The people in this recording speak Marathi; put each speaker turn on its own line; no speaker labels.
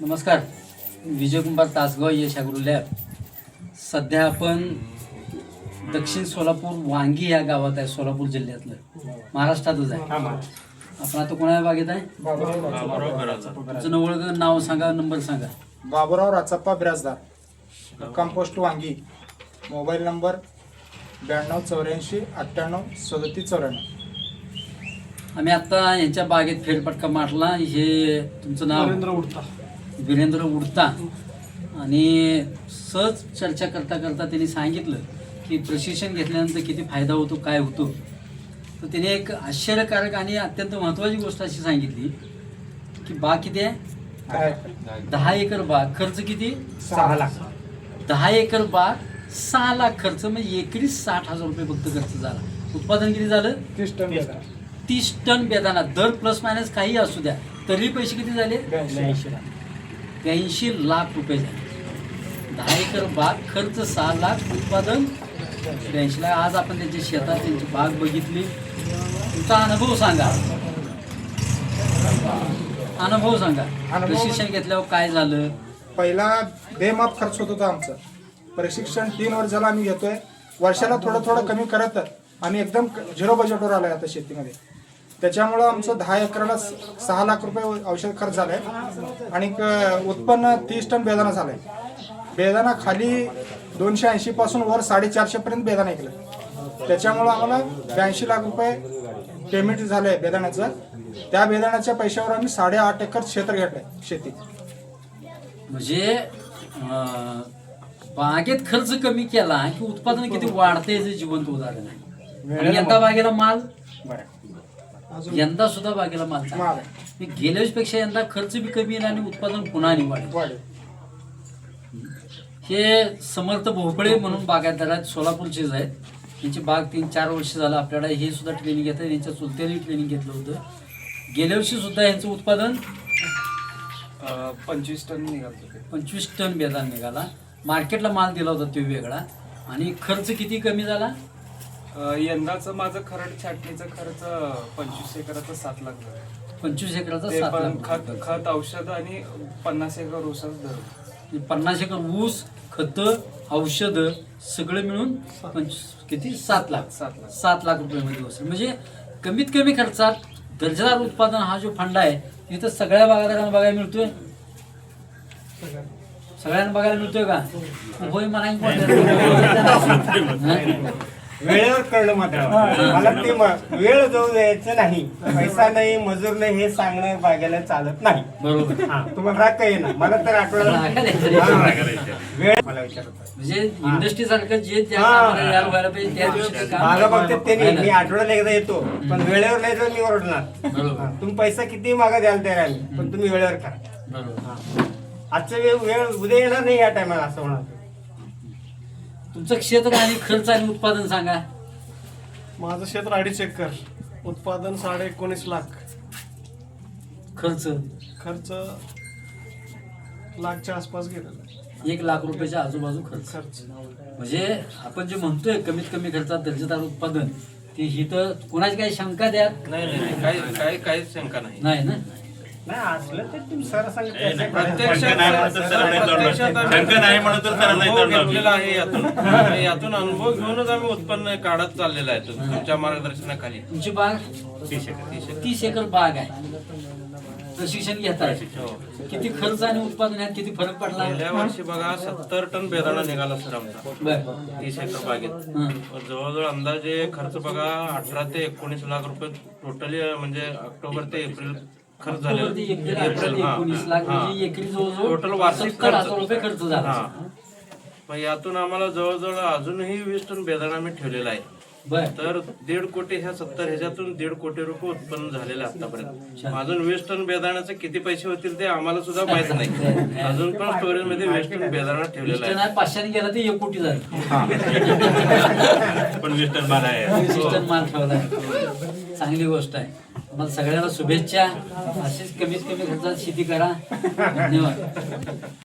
नमस्कार. Vijaykumar Tasgaon Yash agro lab. सध्या आपण दक्षिण सोलापूर वांगी या गावात आहे, सोलापूर जिल्ह्यातलं, महाराष्ट्रातच आहे. आपण आता कोणा बागेत आहे? तुमचं ओळख, नाव सांगा, नंबर सांगा.
बाबुराव राचप्पा बिराजदार, कंपोस्ट वांगी. Mobile number 9284 98 37 94.
आम्ही आता यांच्या बागेत फेरफटका मारला. हे तुमचं नाव? वीरेंद्र उडता. आणि सहज चर्चा करता करता त्यांनी सांगितलं की प्रशिक्षण घेतल्यानंतर किती फायदा होतो, काय होतो. तर त्याने एक आश्चर्यकारक आणि अत्यंत महत्त्वाची गोष्ट अशी सांगितली की बाग किती आहे? 10 एकर बाग. खर्च किती?
6 लाख.
10 एकर बाग 6 लाख खर्च, म्हणजे एकरी 60,000 रुपये फक्त खर्च झाला. उत्पादन किती झालं? 30 टन बेदाणा. दर प्लस मायनस काही असू द्या, तरी पैसे किती झाले? 82 लाख रुपये झाले. 10 एकर बाग, खर्च 6 लाख, उत्पादन 82 लाख. आज आपण त्यांच्या शेतात त्यांची बाग बघितली. तुमचा अनुभव सांगा. अनुभव सांगा. प्रशिक्षण घेतल्यावर काय झालं?
पहिला बेमाप खर्च होत होता आमचं. प्रशिक्षण 3 वर्षाला आम्ही घेतोय. वर्षाला थोडं थोडं कमी करत आम्ही एकदम 0 बजेटवर आलोय आता शेतीमध्ये. त्याच्यामुळं आमचं 10 एकराला 6 लाख रुपये औषध खर्च झालाय आणि उत्पन्न 30 टन बेदाणा झालाय. बेदाणा खाली 280 पासून वर 450 पर्यंत बेदाणा ऐकलं. त्याच्यामुळं आम्हाला 82 लाख रुपये पेमेंट झालंय बेदाण्याचं. त्या बेदाण्याच्या पैशावर आम्ही 8.5 एकर क्षेत्र घेतलंय शेती.
म्हणजे बागेत खर्च कमी केला की उत्पादन किती वाढते याचं जिवंत उदाहरण आहे. आणि यंदा बागेला माल, यंदा सुद्धा बागेला माल गेल्या वर्षीपेक्षा यंदा खर्च बी कमी येईल आणि उत्पादन पुन्हा वाढेल. हे समर्थ भोपळे म्हणून बागायतदार आहेत, सोलापूरचेच आहेत. त्यांची बाग 3-4 वर्ष झालं आपल्याला हे सुद्धा ट्रेनिंग घेत आहे. त्यांच्या चुलत्याने ट्रेनिंग घेतलं होतं. गेल्या वर्षी सुद्धा यांचं उत्पादन
25 टन निघालं.
25 टन बेदाण निघाला. मार्केटला माल दिला होता तो वेगळा. आणि खर्च किती कमी झाला?
यंदाचं माझं खरड छाटणीचा खर्च 25 एकराचा 7 लाख झाला.
25 एकराचा
ते
7
पण
लाख.
खत औषध आणि 50 एकर ऊसाचं धर.
50 एकर ऊस, खत, औषध सगळं मिळून किती? 7 लाख. 7 लाख रुपये बसेल. म्हणजे कमीत कमी खर्चात दर्जेदार उत्पादन हा जो फंड आहे इथं सगळ्या बागायतदारांना बघायला मिळतोय. सगळ्यांना बघायला मिळतोय का? होय म्हणा.
वेळेवर कळलं मात्र मला ते वेळ जाऊ द्यायचं नाही. पैसा नाही, मजूर नाही हे सांगणं बागेला चालत नाही.
बरोबर.
तुम्हाला राग काही ना, मला तर आठवडा वेळ मला विचारत
म्हणजे इंडस्ट्री सारखं जे व्हायला पाहिजे त्या दिवशी
माझं बघते त्यांनी. मी आठवड्याला एकदा येतो, पण वेळेवर नाही तर मी ओरडणार.
बरोबर.
तुम्ही पैसा किती मागा द्याल तयार आहे, पण तुम्ही वेळेवर करा.
बरोबर.
आजचा वेळ उद्या येणार नाही या टायमाला असं होणार.
तुमचं क्षेत्र आणि खर्च आणि उत्पादन सांगा.
माझं क्षेत्र 2.5 एकर, उत्पादन 19.5 लाख,
खर्च
खर्च लाखच्या आसपास गेलेला आहे.
1 लाख रुपयाच्या आजूबाजू खर्च. म्हणजे आपण जे म्हणतोय कमीत कमी खर्चात दर्जेदार उत्पादन, ते ही तर कोणाची काही शंका द्या?
नाही, काहीच शंका नाही.
नाही ना.
नाही असलं तर तुम्ही सर सांगितलं
यातून अनुभव घेऊनच आम्ही उत्पन्न काढत चाललेलं आहे तुमच्या मार्गदर्शनाखाली.
तुमची बाग 30 एकर बाग आहे. प्रशिक्षण घेताय. किती खर्च आणि उत्पादन यात किती फरक पडला?
गेल्या वर्षी बघा 70 टन बेदाणा निघाला सर आमचा
बरं.
30 एकर बागेत. जवळजवळ अंदाजे खर्च बघा 18 ते 19 लाख रुपये टोटली, म्हणजे ऑक्टोबर ते एप्रिल खर्च झालेला.
19 लाख म्हणजे एकरी जवळजवळ
टोटल वार्षिक
70,000 रुपये खर्च झाला.
मग यातून आम्हाला जवळजवळ अजूनही 20 टन बेदाणा आम्ही ठेवलेला आहे.
बर.
तर 1.5 कोटी, ह्या 70 ह्याच्यातून 1.5 कोटी रुपये उत्पन्न झालेलं आहे आतापर्यंत. अजून 20 टन बेदाण्याचे किती पैसे होतील ते आम्हाला सुद्धा माहित नाही. अजून पण स्टोरेज मध्ये 20 टन बेदाणा ठेवलेला आहे.
500 गेला तर 1 कोटी झाला.
पण 20 टन माल आहे.
20 टन माल ठेवला. चांगली गोष्ट आहे. तुम्हाला सगळ्यांना शुभेच्छा. अशीच कमीत कमी खर्चात शेती करा. धन्यवाद.